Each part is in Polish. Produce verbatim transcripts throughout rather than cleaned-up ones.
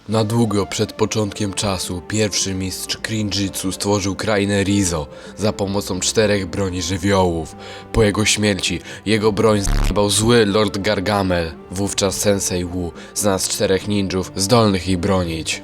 Na długo przed początkiem czasu pierwszy mistrz Krinjitsu stworzył krainę Rizo za pomocą czterech broni żywiołów. Po jego śmierci jego broń zjebał zły Lord Gargamel. Wówczas Sensei Wu znalazł czterech ninjów zdolnych ich bronić.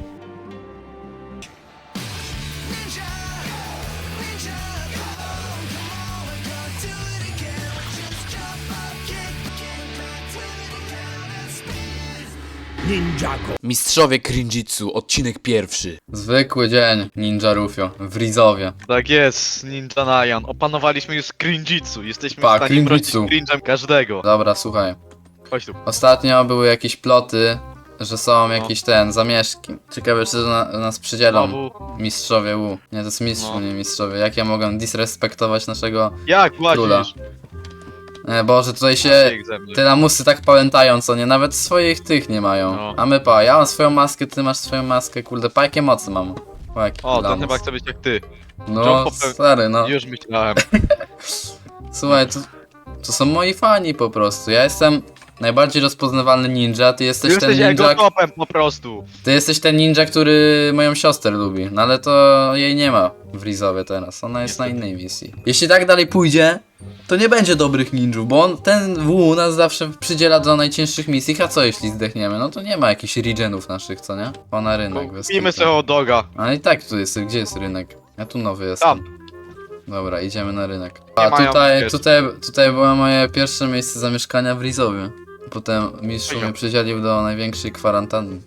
Ninjago. Mistrzowie Krinjitsu, odcinek pierwszy. Zwykły dzień, Ninja Rufio, w Rizowie. Tak jest, Ninja Nayan. Opanowaliśmy już Krinjitsu. Jesteśmy Pa, w stanie bronić Krinjitsu. cringe'em każdego. Dobra, słuchaj. Chodź tu. Ostatnio były jakieś ploty, że są jakieś ten, zamieszki. Ciekawe, czy na, nas przydzielą Znowu. mistrzowie U. Nie, to jest mistrz, No. nie mistrzowie. Jak ja mogę disrespektować naszego... Jak Króla. łazisz? E, Boże, tutaj się... Bieg ze mnie. Te lamusy tak pamiętają, co nie? Nawet swoich tych nie mają. No. A my pa, ja mam swoją maskę, ty masz swoją maskę, kurde, pa jakie mocy mam. Pa, jaki O, ten lamus. chyba chce być jak ty. No, John popeł- stary, no. Już myślałem. Słuchaj, to, to są moi fani po prostu. Ja jestem najbardziej rozpoznawalny ninja, ty Ty jesteś jesteś ten jego ninja... topem po prostu. Ty jesteś ten ninja, który moją siostrę lubi. No ale to jej nie ma w Rizowie teraz. Ona jest na innej misji. Jeśli tak dalej pójdzie, to nie będzie dobrych ninjów, bo on, ten W nas zawsze przydziela do najcięższych misji, a co jeśli zdechniemy? No to nie ma jakichś regenów naszych, co nie? O, na rynek. bez Kupimy kitu. sobie hot doga. Ale i tak tu jest, gdzie jest rynek? Ja tu nowy jestem. Tam. Dobra, idziemy na rynek. Nie A mają tutaj, wiesz. tutaj, tutaj było moje pierwsze miejsce zamieszkania w Rizowie. Potem mistrz Poziom. mnie przydzielił do największej kwarantanny.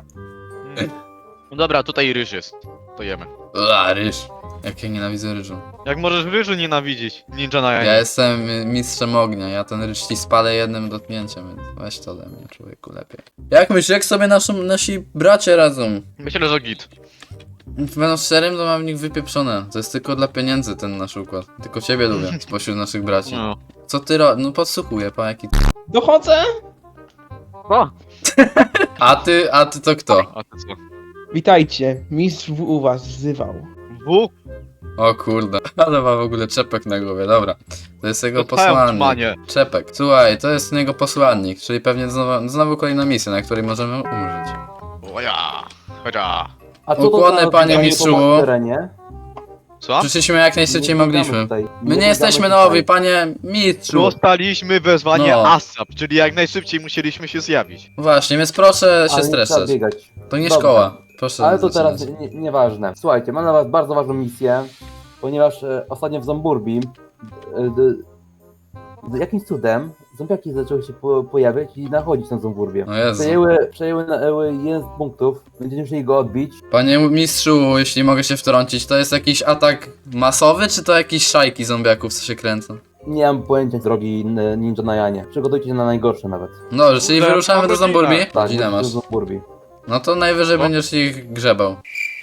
No dobra, tutaj ryż jest. To jemy. A, ryż. Jak ja nienawidzę ryżu. Jak możesz ryżu nienawidzić? Ninja Nayan. Ja jestem y, mistrzem ognia, ja ten ryż ci spalę jednym dotknięciem, więc weź to ode mnie, człowieku, lepiej. Jak myślisz, jak sobie naszą, nasi bracia radzą? Myślę, że git. Będą szczerym, to mam w nich wypieprzone. To jest tylko dla pieniędzy ten nasz układ. Tylko ciebie lubię, spośród naszych braci. No. Co ty ro... No podsłuchuję, pa jaki... Dochodzę! O, A ty, a ty to kto? a ty co? Witajcie, mistrz W u was wzywał. W? O kurde, ale ma w ogóle czepek na głowie, dobra. To jest jego To twoje posłannik. utrzymanie. Czepek. Słuchaj, to jest jego posłannik, czyli pewnie znowu, znowu kolejna misja, na której możemy umrzeć. O ja. Chodźa. A co to Ukłony, za panie zdanie mistrzu. po terenie? Co? Przyszliśmy jak najszybciej Nie mogliśmy. tutaj. My nie biegamy jesteśmy tutaj. nowi, panie mistrzu. Dostaliśmy wezwanie No. ASAP, czyli jak najszybciej musieliśmy się zjawić. Właśnie, więc proszę Ale się nie trzeba streszczać. biegać. To nie Dobrze. szkoła. Proszę Ale to zaczynać. teraz nie- nieważne. Słuchajcie, mam dla was bardzo ważną misję, ponieważ e, ostatnio w Zomburbi e, d, d, jakimś cudem zombiaki zaczęły się po, pojawiać i nachodzić na Zomburbie. O Jezu. Przejęły, przejęły na, e, jeden z punktów, będziemy musieli go odbić. Panie mistrzu, jeśli mogę się wtrącić, to jest jakiś atak masowy, czy to jakieś szajki zombiaków, co się kręcą? Nie mam pojęcia drogi n- Ninja Najanie. Przygotujcie się na najgorsze nawet. No, czyli Za wyruszamy do godzinę. Zomburbi? Tak, Godzinę masz. do Zomburbi. No to najwyżej No. będziesz ich grzebał.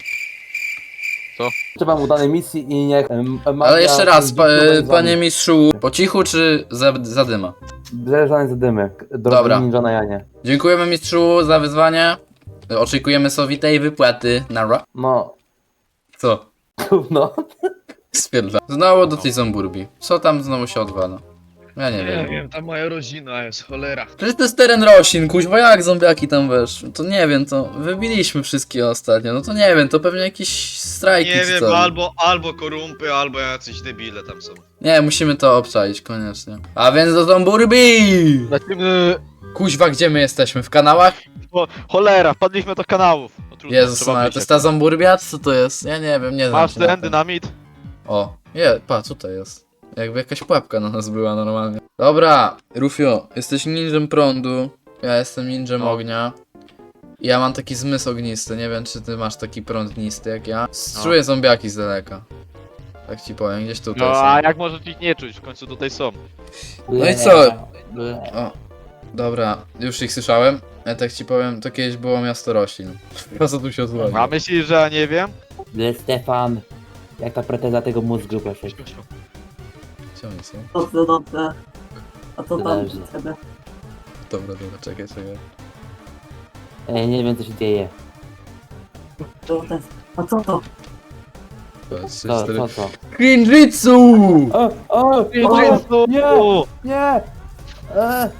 Życzę wam udanej misji i niech... em, magia Ale jeszcze raz, pa, będzie panie mistrzu, po cichu czy za, zadyma? Zależane z dymy, drogi Dobra. Ninja Najanie. Dziękujemy mistrzu za wyzwanie. Oczekujemy sowitej wypłaty. Nara. No, Co? no. Spierdla. Znowu do tej Zomburbi. Co tam znowu się odwala? Ja nie Nie wiem. wiem, ta moja rodzina jest cholera. Przecież to jest teren roślin, kuźwa, jak zombiaki tam weszły? To nie wiem, to wybiliśmy wszystkie ostatnio, no to nie wiem, to pewnie jakieś strajki Nie czy wiem, co. albo, albo korumpy, albo jacyś debile tam są. Nie, musimy to obczaić koniecznie. A więc do Zomburbi! Lecimy... Kuźwa, gdzie my jesteśmy? W kanałach? O, cholera, wpadliśmy do kanałów. No, trudno, Jezus, trzeba ale wyjść to jest ta Zomburbia? Co to jest? Ja nie wiem, nie znam Masz się na ten tym. dynamit? O, je, pa, tutaj jest. Jakby jakaś pułapka na nas była normalnie. Dobra, Rufio, jesteś ninjem prądu, ja jestem ninjem No. ognia. Ja mam taki zmysł ognisty, nie wiem czy ty masz taki prąd ognisty jak ja. Czuję zombiaki z daleka. Tak ci powiem, gdzieś tutaj No są. a jak możesz ich nie czuć? W końcu tutaj są. No i co? O, dobra, już ich słyszałem. Ja tak ci powiem, to kiedyś było miasto roślin. Po co tu się odwodzi? A myślisz, że ja nie wiem? Stefan, jak ta preteza tego mózgu, proszę. Gdzie oni są? Dobrze, dobrze. A co tam Dobrze. u ciebie? Dobra, dobra, czekaj, czekaj. Ej, nie wiem co się dzieje. To jest- A co to? Dwa, trzy, Co, cztery. co, co? Krinjitsu! O, o, o, Jezu! nie, nie! E,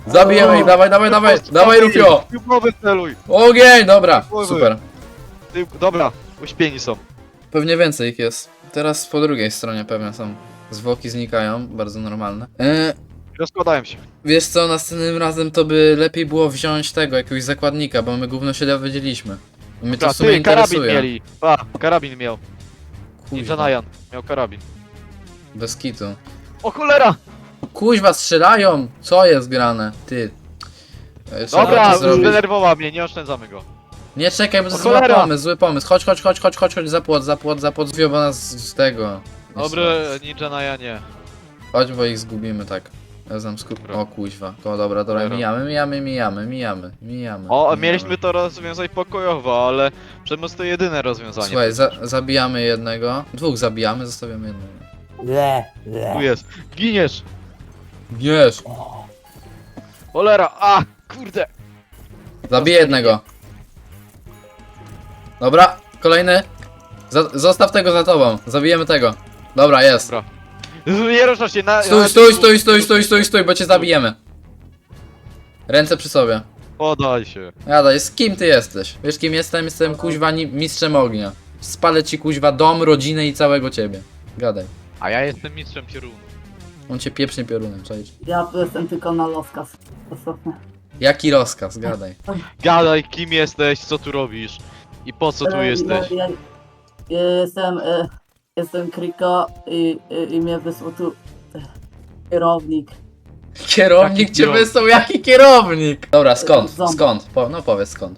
Zabijemy ich, dawaj, dawaj, dawaj, dawaj Rufio! Ty w głowę celuj! Ogień, dobra, Głowy. super. Ty, dobra, uśpieni są. Pewnie więcej ich jest. Teraz po drugiej stronie pewnie są. Zwłoki znikają, bardzo normalne. E, Rozkładają się. wiesz co, następnym razem to by lepiej było wziąć tego, jakiegoś zakładnika, bo my gówno się dowiedzieliśmy. Mnie to Dobra, w sumie ty, karabin interesuje. mieli. A, karabin miał. Ninja Kuźwa, Najan miał karabin. bez kitu. O cholera! Kuźwa, strzelają! Co jest grane? Ty. E, trzeba Dobra, to zrobić. zdenerwował mnie, nie oszczędzamy go. Nie czekaj, bo to O jest zły cholera! pomysł, zły pomysł. Chodź, chodź, chodź, chodź, chodź, chodź, za płot, za płot, za płot, zwią, bo nas z tego. Dobry, Ninja Najanie. Chodź, bo ich zgubimy, tak. Ja znam skup... Dobra. O kuźwa. O dobra, dobra, Cholera. mijamy, mijamy, mijamy, mijamy, mijamy. O, mijamy. mieliśmy to rozwiązać pokojowo, ale przemoc to jedyne rozwiązanie. Słuchaj, za zabijamy jednego, dwóch zabijamy, zostawiamy jednego. Le, le. Tu jest. Giniesz! Wiesz, Cholera! A! Kurde! zabiję jednego. Dobra, kolejny. Za zostaw tego za tobą, zabijemy tego. Dobra, jest. Dobra. Nie ruszasz się na... Stój, na- stój, stój, stój, stój, stój, stój, bo cię zabijemy. Ręce przy sobie. Podaj się. Jadaj, z kim ty jesteś? Wiesz kim jestem? Jestem kuźwa ni- mistrzem ognia. Spalę ci kuźwa dom, rodzinę i całego ciebie. Gadaj. A ja jestem mistrzem piorunu. On cię pieprznie piorunem, czaisz? Ja tu jestem tylko na rozkaz. Ostatnio. Jaki rozkaz? Gadaj. Gadaj, kim jesteś, co tu robisz i po co tu E, jesteś. Ja, ja, ja jestem, e, jestem Kriko i, i, i mnie wysłał tu e, kierownik. Kierownik Jaki cię kierownik? wysłał, jaki kierownik? Dobra, skąd? Ząb. Skąd? Po, no powiedz skąd.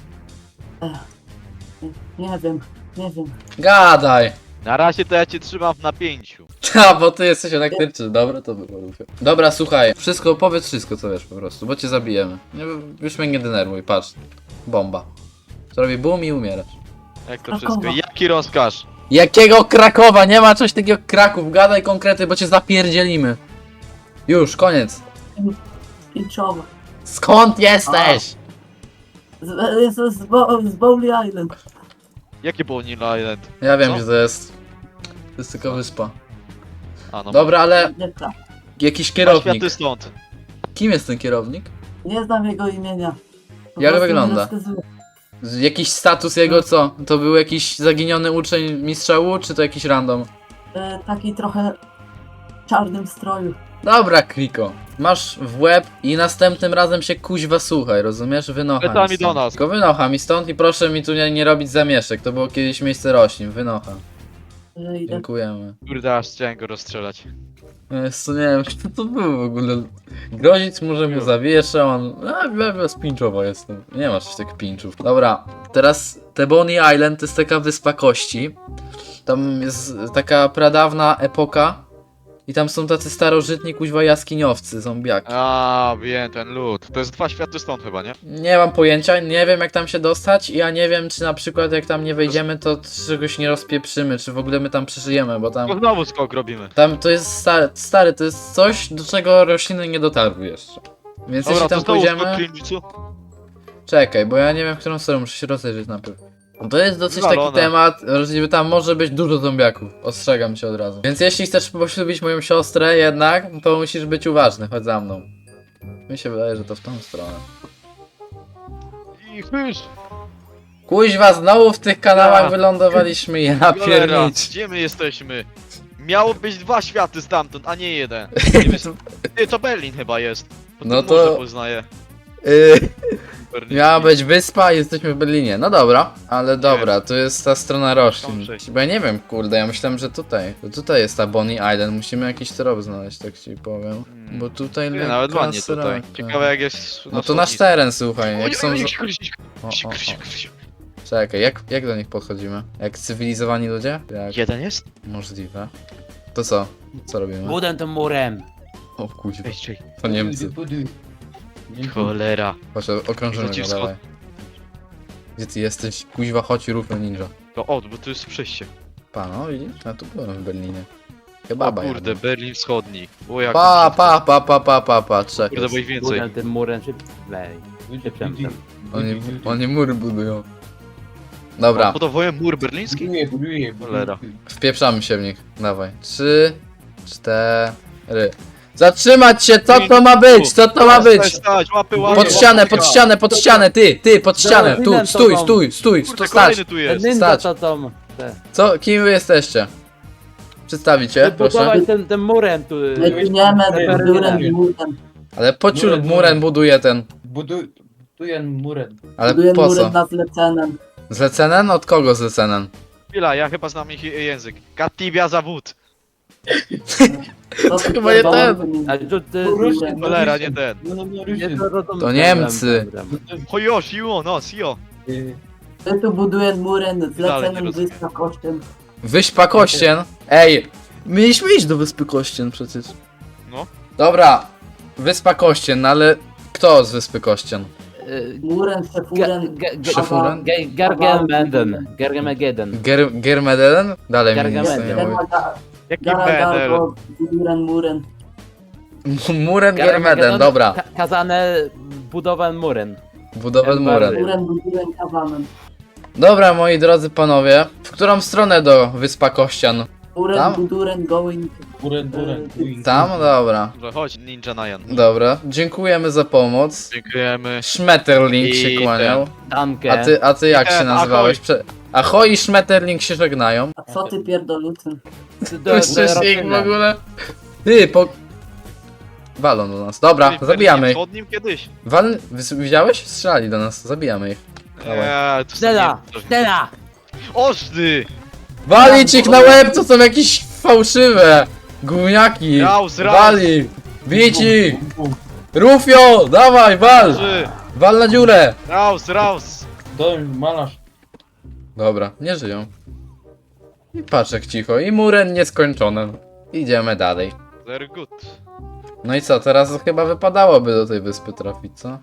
Nie wiem, nie wiem. Gadaj! Na razie to ja cię trzymam w napięciu. Ta, bo ty jesteś elektryczny. Dobra, to było Rufio. Dobra, słuchaj. Wszystko, powiedz wszystko co wiesz po prostu, bo cię zabijemy. Nie, już mnie nie denerwuj, patrz. Bomba. Zrobi boom i umierasz. Jak to Krakowa. wszystko? Jaki rozkaz? Jakiego Krakowa? Nie ma coś takiego jak Kraków. Gadaj konkrety, bo cię zapierdzielimy. Już, koniec. Pinczowa. Skąd jesteś? Z, jestem z, Bo, z Bowley Island. Jakie było New Island? Ja wiem, Co? gdzie to jest. To jest tylko wyspa. A no. Dobra, ale Nie, pra- jakiś Dwa kierownik. światy stąd. Kim jest ten kierownik? nie znam jego imienia. Po Jak prostu mi wygląda? rozkazuje. Z- Jakiś status jego co? To był jakiś zaginiony uczeń mistrza U, czy to jakiś random? E, taki trochę w czarnym stroju. Dobra, Kriko. Masz w łeb i następnym razem się kuźwa słuchaj, rozumiesz? Wynocha mi Plecami stąd. do nas. Tylko wynocha mi stąd i proszę mi tu nie, nie robić zamieszek. To było kiedyś miejsce roślin. Wynocha. Że idę. Dziękujemy. Kurde, aż chciałem go rozstrzelać. Jest, nie wiem, kto to był w ogóle. Grozić mu, że mu zawieszę, on... A, ja, ja spinczowo jestem. Nie ma coś tak pinczów. Dobra, teraz te Bonnie Island to jest taka wyspa kości. Tam jest taka pradawna epoka. I tam są tacy starożytni kuźwa jaskiniowcy, zombiaki. A, wiem, ten lód. To jest dwa światy stąd chyba, nie? Nie mam pojęcia, nie wiem jak tam się dostać i ja nie wiem czy na przykład jak tam nie wejdziemy to czegoś nie rozpieprzymy, czy w ogóle my tam przeżyjemy, bo tam... To znowu skok robimy. Tam to jest stary, stary, to jest coś, do czego rośliny nie dotarły jeszcze. Więc Dobra, jeśli to tam znowu skok pójdziemy... Klinjitsu? Czekaj, bo ja nie wiem w którą stronę, muszę się rozejrzeć najpierw. No to jest dosyć taki Wywalone. temat, że tam może być dużo zombiaków. Ostrzegam cię od razu. Więc jeśli chcesz poślubić moją siostrę jednak, to musisz być uważny, chodź za mną. Mi się wydaje, że to w tą stronę. I chyż! Kuźwa, znowu w tych kanałach Ja. wylądowaliśmy, ja Cholera, piernicz. gdzie my jesteśmy? Miało być dwa światy stamtąd, a nie jeden. Nie wiem, ty, to Berlin chyba jest. Bo No no to- to... Może poznaję. Yy, Berlin. miała być wyspa i jesteśmy w Berlinie. No dobra, ale dobra, tu jest ta strona roślin. przejść. Bo ja nie wiem, kurde, ja myślałem, że tutaj. To tutaj jest ta Bonnie Island, musimy jakiś trop znaleźć, tak ci powiem. Hmm. Bo tutaj Nie, lekka nawet ładnie tutaj. sraka. Ciekawe jak jest No to nasz teren, słuchaj, jak są... Oj, oj, z- oj, O, Krzysiu, o, Krzysiu, o. Krzysiu. Czekaj, jak, jak do nich podchodzimy? Jak cywilizowani ludzie? Jak Jeden jest? możliwe. To co? Co robimy? Budem tym murem. O kuźwa, Ej, czekaj. to Niemcy. Cholera. Chodź, okrążymy Wrócił go, wschód. dawaj. Gdzie ty jesteś? Kuźwa, chodź i rób ninja. To od, bo tu jest przejście. Pa, no widzisz? Ja tu byłem w Berlinie. O Kebaba kurde, jadłem. Berlin Wschodni. O jak Pa, pa, pa, pa, pa, pa, pa, czekaj. Kurde, bo ich więcej. Budem tym murem szybciej. Szybciej. Oni, oni mury budują. Dobra, Budowuję mur berliński? Cholera. wpieprzamy się w nich. Dawaj. Trzy, cztery. Zatrzymać się, co to ma być? Co to ma być? Stać, stać, łapy, łapy. Pod ścianę, pod ścianę, pod ścianę, ty, ty, pod ścianę, tu, stój, stój, stój, Kurde, tu stać. kolejny tu jest. Ninja Stać. to tam. te. Co, kim wy jesteście? Przedstawicie, proszę. Budować ten, ten murem tu. My giniemy durem murem. Ale po ciur muren buduje ten. Buduję murem. Ale Budujemy po murem co? na zlecenem. Zlecenen? Od kogo zlecenen? Chwila, ja chyba znam ich język. Katibia zawód. To chyba nie ten. A tu ty... Cholera, nie ten. No, no, no, nie, Rysien. to- to- to- To Niemcy. Hojo, siło, no, sio. My tu buduję murem Dalej nie zlecenem rozumiem. wysokością. Wyspa Kościen. Ej, mieliśmy iść do Wyspy Kościen przecież. No. Dobra, Wyspa Kościen, no ale kto z Wyspy Kościen? Y, Murem, szefurem. Szefurem? Gergemenden. Gergemegeden. Ger Germedelen? Dalej mi nic Gargamel. nie mówi. Jaki Gara medal? gargo, buduję murem. Muren Germeden, dobra. Ka kazane budowan muren. Budowel muren. Murem buduję kawanem. Dobra, moi drodzy panowie, w którą stronę do Wyspa Kościan? Murem Tam? buduję going. Buren, buren. Tam? Dobra. Dobrze, chodź, Ninja Najan. Dobra, dziękujemy za pomoc. Dziękujemy. Schmetterling I się kłaniał. Danke. A ty, a ty jak się Ahoj. nazywałeś? Prze Ahoj i Schmetterling się żegnają. A co ty pierdolucy? Słyszysz ich w ogóle? Ty, po... Walą do nas. Dobra, Byli zabijamy ich. przed nim kiedyś. Wal... Wys- Widziałeś? Strzelali do nas, zabijamy ich. Eee, to Stella! są- Stella! Oż ty! Walić ich na łeb, to są jakieś fałszywe! Gówniaki! Raus, raus. Wali! Bić ich! Rufio! Dawaj, wal! Trzy. Wal na dziurę! Raus, raus! Dom, malarz. Dobra, nie żyją. I patrz jak cicho. I muren nieskończony. Idziemy dalej. Very good. No i co, teraz chyba wypadałoby do tej wyspy trafić, co?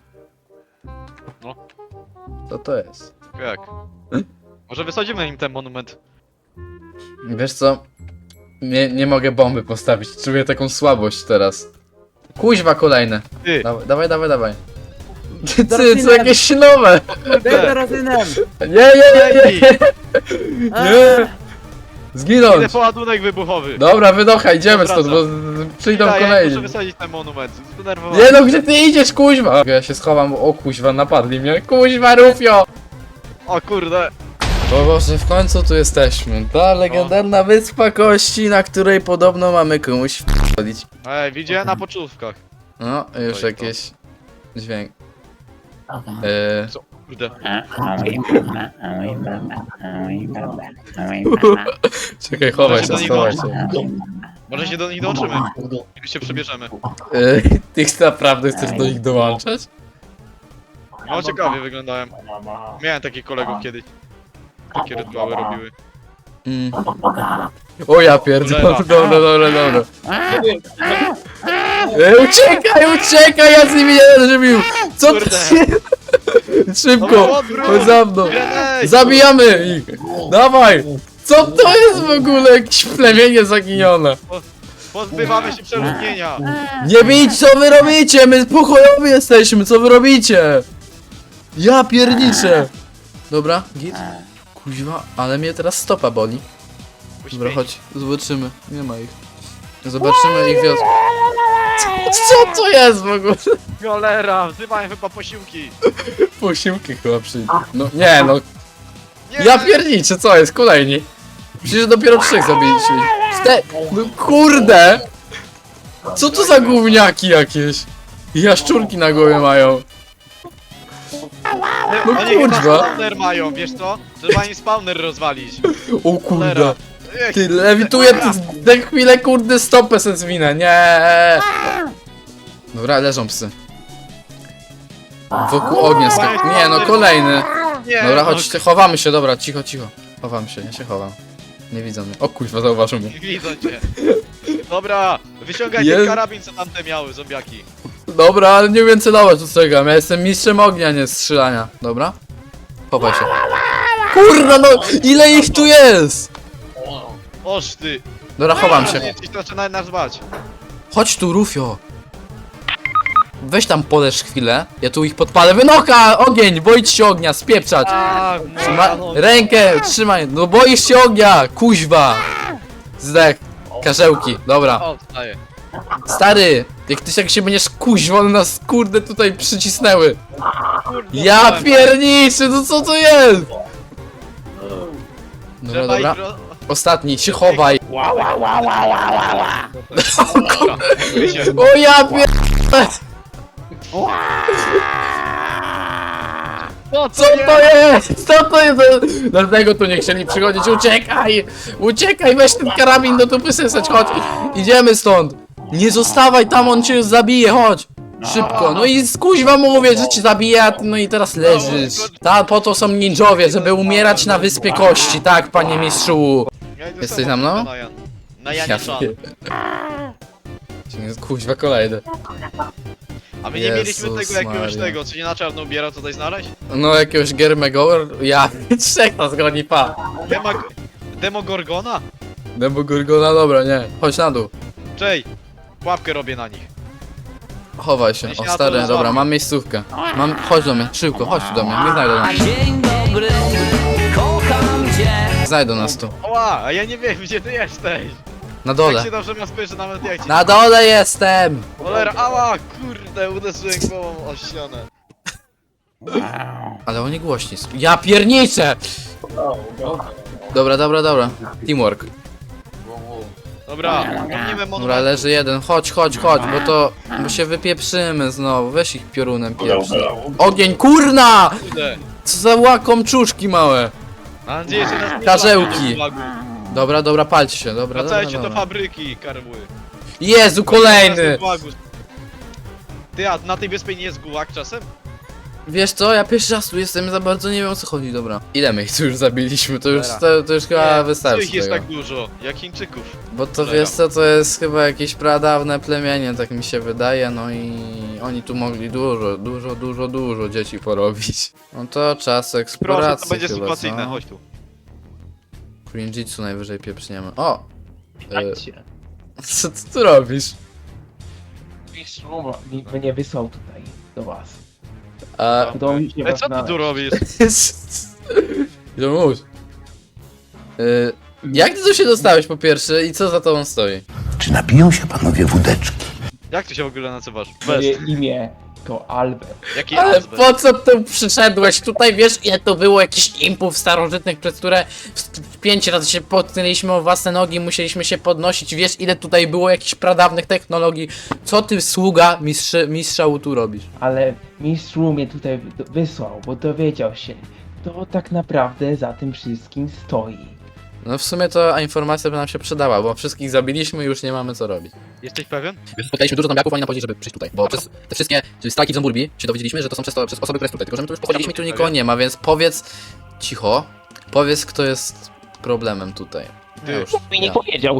No. Co to jest? Jak? Może wysadzimy im ten monument. Wiesz co? Nie, nie mogę bomby postawić, czuję taką słabość teraz. Kuźwa kolejne. Ty. Dawaj, dawaj, dawaj, dawaj. Ty, Zaraz co jakieś nowe! Będę rozynem! Nie, nie, nie, nie, nie! Nie! Idę Zginąć! po ładunek wybuchowy. Dobra, wydocha, idziemy Wracam. stąd, bo z- przyjdą Ja, ja kolejni. muszę wysadzić ten monument. Zdenerwowany. Nie no, gdzie ty idziesz, kuźwa? Ja się schowam, bo o kuźwa, napadli mnie. Kuźwa, Rufio! O kurde. O Boże, w końcu tu jesteśmy. Ta legendarna wyspa kości, na której podobno mamy komuś wchodzić. Ej, widziałem na pocztówkach. No, już To i to. jakieś dźwięk. Eee, Co? Kurde. czekaj, chowaj Może się, się schowaj do się. Może się do nich dołączymy. Jak się przebierzemy. Eee, ty naprawdę chcesz do nich dołączać? No ciekawie wyglądałem. Miałem takich kolegów kiedyś. Takie rytuały robiły. Mm. O ja pierdolę, dobra, dobra, dobra. Ej, uciekaj, uciekaj, ja z nimi nie będę żywił! Co ty? Kurde. Szybko, Dobra, odwróć. chodź za mną. Grenade! Zabijamy ich! Dawaj! Co to jest w ogóle? Jakieś plemienie zaginione. Pozbywamy się przeludnienia. Nie bić, co wy robicie? My pokojowi jesteśmy, co wy robicie? Ja pierniczę. Dobra, git. Kuźwa, ale mnie teraz stopa boli. Dobra, chodź, zobaczymy. Nie ma ich. Zobaczymy ich wioskę. Co, co to jest w ogóle? Cholera, wzywają chyba posiłki. Posiłki chyba przyjdzie. No nie no, Nie, ja pierniczę, co jest? Kolejni. Przecież dopiero trzech zabiliśmy. Czte... No kurde! Co to za gówniaki jakieś? Jaszczurki na głowie mają. no Oni chyba kurwa. spawner mają, wiesz co? Trzeba im spawner rozwalić. O kurde. Cholera. Ech, Ty, lewituję tę chwilę, kurde, stopę se zwinę, nie. Dobra, leżą psy. Wokół ognia skak... Nie no, kolejny. nie, Dobra, no, chodźcie, chowamy się, dobra, cicho, cicho. Chowam się, ja się chowam. Nie widzą mnie. O kuźwa, zauważył mnie. Widzą cię. Dobra, wyciągaj Jest- ten karabin, co tamte miały, zombiaki. Dobra, ale nie wiem celować, ostrzegam. Ja jestem mistrzem ognia, nie strzelania. Dobra? Chowaj się. Kurwa, no ile ich tu jest? Oż ty. Dobra, chowam się. Ci zaczynają nas bać. Chodź tu, Rufio. Weź tam poleż chwilę. Ja tu ich podpalę. Wynocha! Ogień! Boisz się ognia, spieprzać! A, Trzyma... Rękę! Trzymaj! No boisz się ognia! Kuźwa! Zdech. Karzełki, dobra. O, wstaję. Stary, jak ty jak się będziesz kuźwa, one nas kurde tutaj przycisnęły. Kurde, Ja dostałem. pierniczy, no co to jest? Dobra, Trzeba dobra. ich ro- Ostatni, się chowaj. Dobra, się. O ja pier... No Co to jest? Co to jest? Dlatego tu nie chcieli przychodzić. Uciekaj! Uciekaj, weź ten karabin do dupy sysać, chodź. Idziemy stąd. Nie zostawaj tam, on cię zabije, chodź. Szybko. No i skuźwa mówię, że cię zabije, a ty no i teraz leżysz. Ta, po to są ninjowie, żeby umierać na wyspie kości, tak, panie mistrzu. Ja idę Jesteś sama, za mną? Na Jan. Na Ja Janie Szan. pier- Kuźwa kolejny. A my nie Jezus mieliśmy tego jakiegoś Maria. tego, co nie na czarno ubiera tutaj znaleźć? No jakiegoś Germegor, ja trzech nas groni pa. Dema... Demogorgona? Demo Gorgona, dobra, nie. Chodź na dół. Czej, pułapkę robię na nich. Chowaj się. Ja się O na to stary, złapię. dobra, mam miejscówkę. Mam, chodź do mnie, szybko, chodź tu do mnie, nie znajdą nas. Dzień dobry, kocham cię. Znajdą nas tu. Oła, a ja nie wiem gdzie ty jesteś. Na Tak dole. się dobrze nas spojrzy nawet jak ci... Na dole jestem! Cholera, ała, kurde, uderzyłem głową o ścianę. Ale oni głośni są. Ja pierniczę! Dobra, dobra, dobra. Teamwork. Dobra, pomnimy Dobra, monument. leży jeden. Chodź, chodź, chodź, bo to... Bo się wypieprzymy znowu. Weź ich piorunem pierwszy. Ogień, kurna! Kurde. Co za łakomczuszki małe. Mam nadzieję, że nas nie Karzełki. złapią. Dobra, dobra, palcie się, dobra, dobra, Wracajcie do dobra. fabryki, karły. Jezu, kolejny! Ty, a na tej wyspie nie jest gułak czasem? Wiesz co, ja pierwszy raz tu jestem, za bardzo nie wiem o co chodzi, dobra. Ile my ich tu już zabiliśmy, to już, Cholera. to, to już chyba Nie, wystarczy ich jest tego. tak dużo, jak Chińczyków. Bo to Cholera. wiesz co, to jest chyba jakieś pradawne plemienie, tak mi się wydaje, no i oni tu mogli dużo, dużo, dużo, dużo dzieci porobić. No to czas Proszę, eksploracji to będzie chyba, sytuacyjne, co? chodź tu. Crinjitsu najwyżej pieprzniemy. O! E, Witajcie. co ty tu robisz? Mistrzu mi- mnie wysłał tutaj do was. A... Udało mi się E, was co ty znaleźć. tu robisz? Jomuś. Y, jak ty tu się dostałeś po pierwsze i co za tobą stoi? Czy napiją się panowie wódeczki? Jak ty się w ogóle nazywasz? Moje Bez. imię to Albert. Jaki Ale azbest? po co tu przyszedłeś? Tutaj wiesz ile to było jakichś impów starożytnych, przez które w- pięć razy się potknęliśmy o własne nogi, musieliśmy się podnosić. Wiesz ile tutaj było jakichś pradawnych technologii? Co ty sługa mistrzy, mistrza tu robisz? Ale mistrzu mnie tutaj wy- wysłał, bo dowiedział się, kto tak naprawdę za tym wszystkim stoi. No w sumie to informacja by nam się przydała, bo wszystkich zabiliśmy i już nie mamy co robić. Jesteś pewien? Spotkaliśmy dużo zombiaków, oni nam powiedzieli, żeby przyjść tutaj. Bo przez te wszystkie strajki w Zomburbi się dowiedzieliśmy, że to są przez, to, przez osoby, które są tutaj. Tylko że my tu już pochodziliśmy i tu nikogo nie ma, więc powiedz... Cicho. Powiedz, kto jest problemem tutaj. Ty. Ja już, Mi nie ja. powiedział.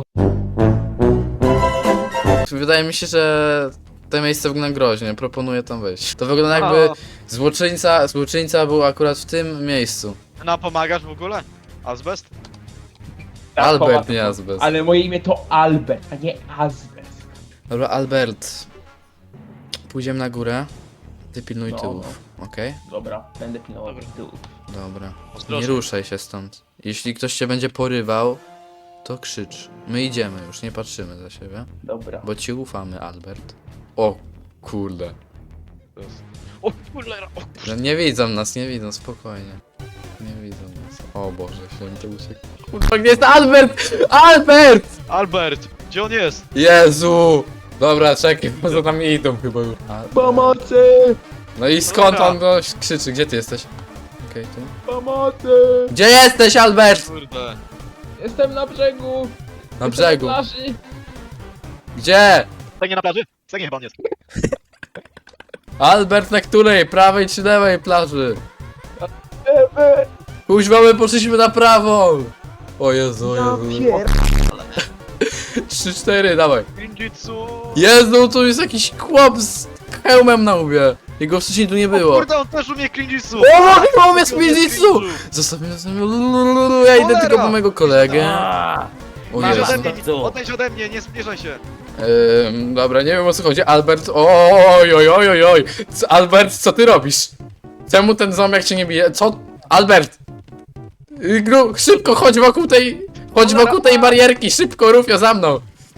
Wydaje mi się, że to miejsce wygląda groźnie, proponuję tam wejść. To wygląda jakby złoczyńca, złoczyńca był akurat w tym miejscu. Nam pomagasz w ogóle? Azbest? Tak, Albert, pomaga- nie Azbest. Ale moje imię to Albert, a nie Azbest. Dobra, Albert. Pójdziemy na górę. Ty pilnuj No, tyłów, okej? Dobra, będę pilnował Dobra. tyłów. Dobra. Nie Ostrożnie. ruszaj się stąd. Jeśli ktoś cię będzie porywał, to krzycz. My idziemy już, nie patrzymy za siebie. Dobra. Bo ci ufamy, Albert. O, kurde. O cholera, o No nie widzą nas, nie widzą, spokojnie. Nie widzą nas. O Boże, święty uciekł. Kurwa, gdzie jest Albert? Albert! Albert, gdzie on jest? Jezu! Dobra, czekaj, bo za nami idą chyba już. A- Pomocy! No i skąd Dobra. on no, krzyczy? Gdzie ty jesteś? Okej, tu. Pomocy! Gdzie jesteś, Albert? Kurde. Jestem na brzegu! Na Jestem brzegu. Na plaży. Gdzie? Stanie na plaży? Stanie chyba on jest. Albert, na której? Prawej czy lewej plaży? Eee, Kuźwa, my poszliśmy na prawą! O Jezu, o Ja Jezu. pier... trzy cztery, dawaj. Ninjitsu! Jezu, tu jest jakiś chłop z hełmem na łbie. Jego wcześniej tu nie O było. kurde, on też umie Ninjitsu! O, chyba umie Spinjitsu! Zostaw mnie, zostaw mnie. Lulululu, ja idę Cholera! tylko po mojego kolegę. O Masz ode Jezu. mnie, odejdź ode mnie, nie zbliżaj się. Ym, dobra, nie wiem o co chodzi. Albert, oj, oj, oj, oj, oj. Co- Albert, co ty robisz? Czemu ten zombiak cię nie bije? Co? Albert! Y, Gru, szybko, chodź wokół tej... Chodź wokół tej barierki, szybko, Rufio, za mną.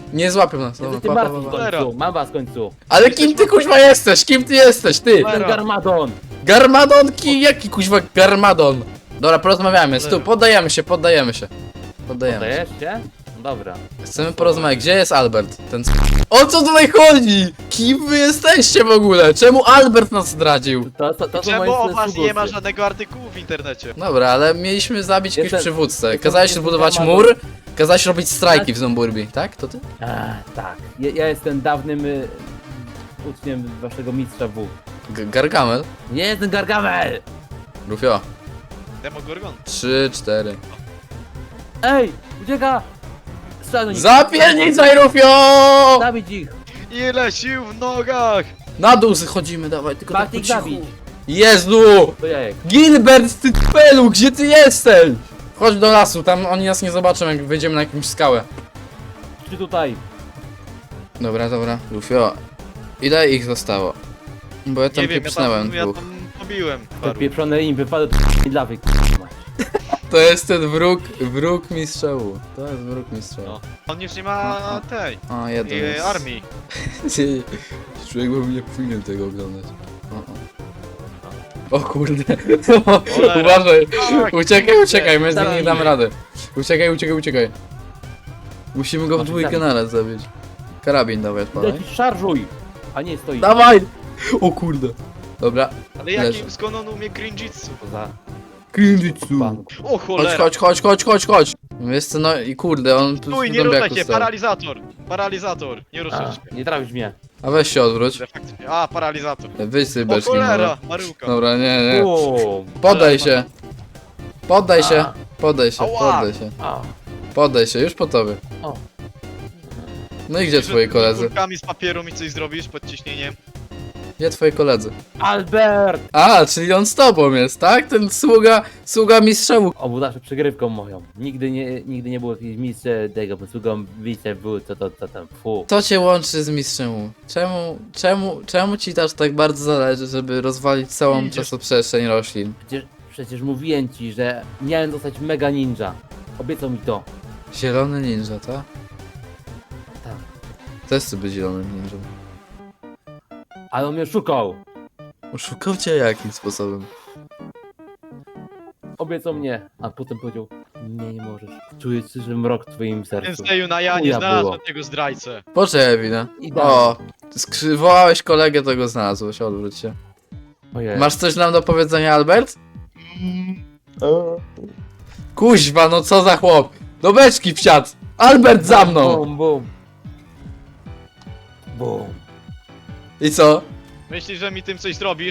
Nie złapią nas. Dobra, Ty pa, pa, Martin pa, w pa. końcu, mam was w końcu. Ale kim ty kuźwa jesteś? Kim ty jesteś, ty? Ten Garmadon. Garmadonki? Jaki kuźwa Garmadon? Dobra, porozmawiamy, stu, poddajemy się, poddajemy się. Poddajemy się. Dajesz się? No dobra. Chcemy porozmawiać, gdzie jest Albert? Ten c- O co tutaj chodzi? Kim wy jesteście w ogóle? Czemu Albert nas zdradził? To, to, to są Czemu moje o was nie ma sługusy. żadnego artykułu w internecie? Dobra, ale mieliśmy zabić jakiegoś Jestem- przywódcę. jestem- Kazałeś jestem zbudować Garmadon. mur, kazałeś robić strajki w Zomburbi, tak? To ty? A, tak. Ja, ja jestem dawnym y, uczniem waszego mistrza W. G Gargamel? Nie jestem Gargamel! Rufio. Demogorgon. Trzy, cztery. Ej! Ucieka! Strzel do nich. Zapiernicaj, Rufio! Zabić ich! Ile sił w nogach! Na dół chodzimy, dawaj, tylko tak po Bartik cichu. zabić! Jezu! To jajek. Gilbert, ty pelu, gdzie ty jesteś? Chodź do lasu, tam oni nas nie zobaczą, jak wejdziemy na jakąś skałę. Czy tutaj? Dobra, dobra. Rufio, ile ich zostało? Bo ja tam Nie wiem, ja pieprznąłem tam, ja dwóch. tam pobiłem Te paru. pieprzone im wypadły do lawy. To jest ten wróg, wróg mistrza U. To jest wróg mistrza U. No. On już nie ma tej A, jeden e, jest. armii. Człowiek by nie powinien tego oglądać. O, o. O kurde. Cholera. Uważaj. Tak, Uciekaj, uciekaj, my z nim nie Dawaj. damy rady. Uciekaj, uciekaj, uciekaj. Musimy go w Masz dwójkę zabić. naraz zabić. Karabin dawaj, odpalaj. Lecisz, szarżuj! A nie stoi. Dawaj! O kurde. Dobra. Ale Leży. jaki, skąd on umie crinjitsu? Poza Kinjitsu. bank. O Chodź, cholera! chodź, chodź, chodź, chodź, chodź. Wiesz co, no i kurde, on tu Stój, w nie ruszaj zombiaku się, stał. paralizator! Paralizator, nie ruszaj A, się. nie trafisz mnie. A weź się odwróć. Faktycznie. A, paralizator. Wyjdź sobie O beczki może. cholera, Maryłka. Dobra, nie, nie. Bum. Poddaj się. Poddaj się. A. Poddaj się, Ała. poddaj się. A. Poddaj się, już po tobie. O. No i gdzie twoi koledzy? Kulkami z papieru mi coś zrobisz pod ciśnieniem? Gdzie twoi koledzy? Albert! A, czyli on z tobą jest, tak? Ten sługa, sługa mistrza U. On był zawsze przygrywką moją. Nigdy nie, nigdy nie było jakiejś mistrzem tego, bo sługą wice był, co to, co tam, fu. Co cię łączy z mistrzem U? Czemu, czemu, czemu ci też tak bardzo zależy, żeby rozwalić całą Idziesz. czasoprzestrzeń roślin? Przecież, przecież mówiłem ci, że miałem zostać mega ninja. Obiecał mi to. Zielony ninja, tak? Tak. Też chcę być zielonym ninją. Ale on mnie szukał. Oszukał cię jakim sposobem? Obiecał mnie, a potem powiedział, nie, nie możesz. Czuję, że mrok w twoim sercu. Senseju na ja nie Chuja znalazłem było. tego zdrajcę. Poczekaj, winę. Idealnie. O, skrzy- wołałeś kolegę, to go znalazłeś, odwróć się. Ojej. Masz coś nam do powiedzenia, Albert? Kuźwa, no co za chłop! Do beczki wsiadł! Albert za mną! Bum, bum. Bum. I co? Myślisz, że mi tym coś zrobisz?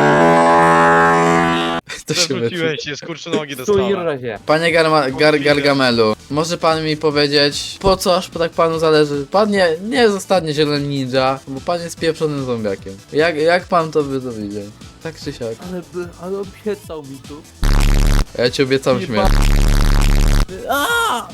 To się wytnie. Przewróciłeś się, skurczonogi Stój i dostałem. razie. Panie Garma, Gar, Gargamelu, może pan mi powiedzieć, po co aż tak panu zależy? Pan nie, nie zostanie zielonym ninja, bo pan jest pieprzonym zombiakiem. Jak, jak pan to by to widział? Tak czy siak? Ale, by- ale obiecał mi tu. Ja ci obiecam Nie śmierć. A!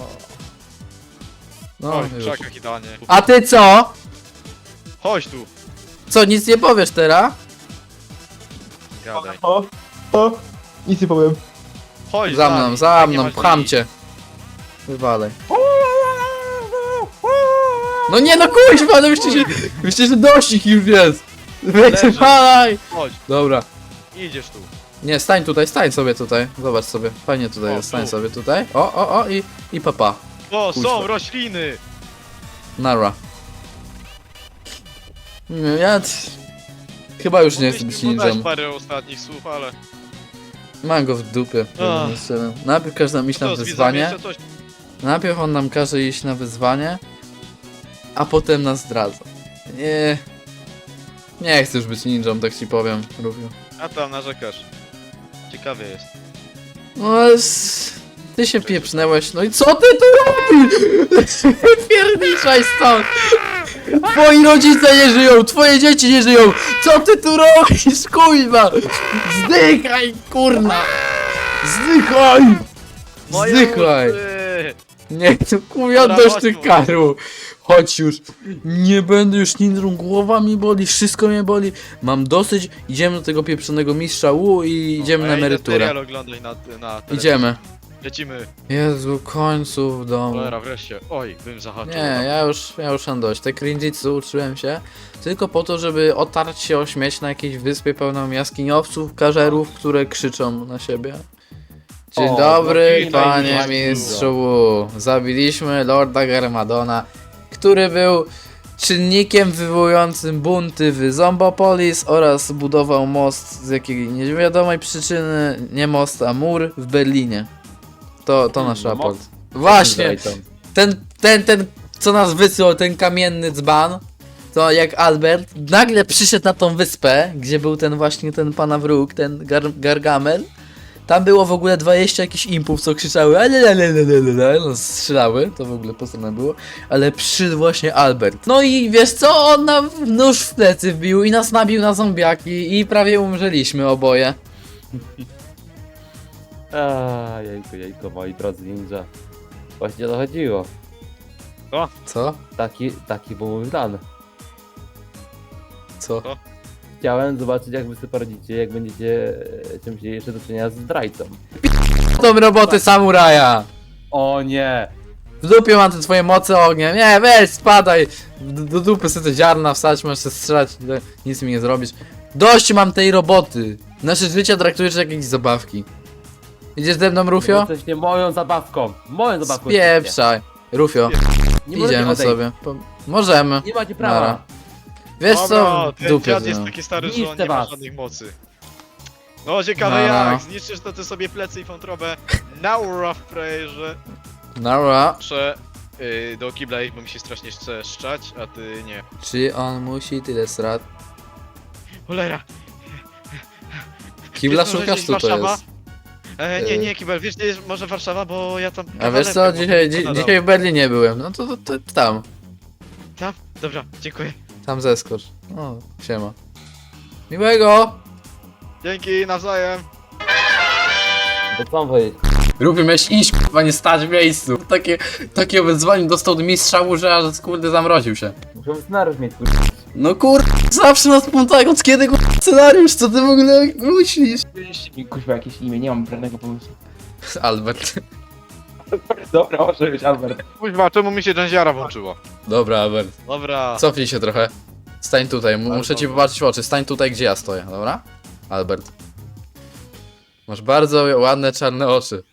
No, Oj, w już. krzakach idealnie. A ty co? Chodź tu, Co, nic nie powiesz teraz? gadaj. O, o, nic nie powiem. Chodź Za z mną, nami, za tak nie mną, masz pcham nic. cię. Wywalej. No nie no kuźwa, no myślę, że, myślę, że dość ich już jest. Wywalaj. Chodź, Dobra. idziesz tu. Nie, stań tutaj, stań sobie tutaj. Zobacz sobie, fajnie tutaj O, jest, stań tu. sobie tutaj. O, o, o i, i papa. O, Kuźwa. są rośliny! Nara. Nie, ja... t- Chyba już nie chcę być Mogliśmy podać ninją. parę ostatnich słów, ale... Mam go w dupie. Ach. Najpierw każe nam iść na Co, z widzami wyzwanie. jeszcze coś? Najpierw on nam każe iść na wyzwanie, a potem nas zdradza. Nie. Nie chcę już być ninją, tak ci powiem, Rufiu. A tam narzekasz. Ciekawie jest. No ale... s- Ty się pieprznęłeś, no i co ty tu robisz? Pierniczaj stąd! Twoi rodzice nie żyją, twoje dzieci nie żyją! Co ty tu robisz, kurwa? Zdychaj, kurna! Zdychaj! Zdychaj! uszy! Nie, to kurwa Dobra, dość chodź tych tu. karu. Chodź już. Nie będę już ninją, głowa mi boli, wszystko mnie boli. Mam dosyć, idziemy do tego pieprzonego mistrza U i idziemy A na ja idę emeryturę. serial oglądać na, na telewizji. Idziemy. lecimy. Jezu, końcu w domu. Cholera, wreszcie. Oj, bym zahaczył. Nie, ja już, ja już mam dość. Te cringe'itsu uczyłem się tylko po to, żeby otarć się o śmieć na jakiejś wyspie pełną jaskiniowców, każerów, które krzyczą na siebie. Dzień O, dobry, no i panie tak mistrzu Wu. Zabiliśmy Lorda Garmadona, który był czynnikiem wywołującym bunty w Zombopolis oraz budował most z jakiej niewiadomej przyczyny, nie most, a mur w Berlinie. To, to nasz raport. Właśnie, ten, ten, ten, co nas wysłał, ten kamienny dzban, to jak Albert nagle przyszedł na tą wyspę, gdzie był ten właśnie ten pana wróg, ten gar, Gargamel. Tam było w ogóle dwadzieścia jakichś impów, co krzyczały, ale no, strzelały, to w ogóle postane było, ale przyszedł właśnie Albert. No i wiesz co, on nam nóż w plecy wbił i nas nabił na zombiaki i prawie umrzeliśmy oboje. A, jejku, jejku, moi drodzy ninja. Właśnie o to chodziło. Co? Taki, taki był mój plan. Co? Chciałem zobaczyć, jak wy sobie poradzicie, jak będziecie e, czymś jeszcze do czynienia z zdrajcą. Tą roboty samuraja! O nie! W dupie mam te twoje moce ognia. Nie, weź, spadaj. Do, do dupy sobie te ziarna wstać, możesz się strzelać, to nic mi nie zrobisz. Dość mam tej roboty. Nasze życie traktujesz jak jakieś zabawki. Idziesz ze mną, Rufio? Jesteście moją zabawką. Moją zabawką. jesteście. Spieprzaj. Rufio, Nie możecie idziemy odejść. sobie. Po... Możemy. Nie macie prawa. Nara. Wiesz Dobra, co? W ten dupie dziad z jest nią. taki stary, że on Niszczę nie ma was. żadnych mocy. No ciekawe Nara. jak, zniszczysz to ty sobie plecy i wątrobę. Naura w prayerze. Nara. Muszę yy, do kibla iść, bo mi się strasznie chce szczać, a ty nie. Czy on musi tyle strat? Cholera. Kibla Wiesz, może szukasz, gdzieś tu to Warszawa? jest. E, nie, nie, kibel, wiesz gdzie jest może Warszawa, bo ja tam... A wiesz co? kawalerkę Dzisiaj, mam dzi nadal. dzisiaj w Berlinie byłem. No to, to, to tam. Tam? Dobra, dziękuję. Tam zeskocz. O, siema. Miłego! Dzięki, nawzajem. To co mam powiedzieć? Ruby, miałeś iść, k***a, nie stać w miejscu. Takie, takie wyzwanie dostał od mistrza, że aż kurde zamroził się. Muszę scenariusz mieć, kurde. No kur... zawsze nas pomagają, od kiedy kur... scenariusz, co ty w ogóle myślisz? Wymyślcie mi kuźwa jakieś imię, nie mam żadnego pomysłu. Albert. Dobra, może być Albert. Kuźwa, czemu mi się Janziara włączyło? Dobra, Albert. Dobra. Cofnij się trochę. Stań tutaj, mu- Ale muszę ci dobra. popatrzeć w oczy. Stań tutaj, gdzie ja stoję, dobra? Albert. Masz bardzo ładne czarne oczy.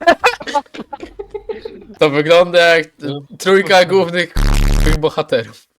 To wygląda jak trójka głównych bohaterów.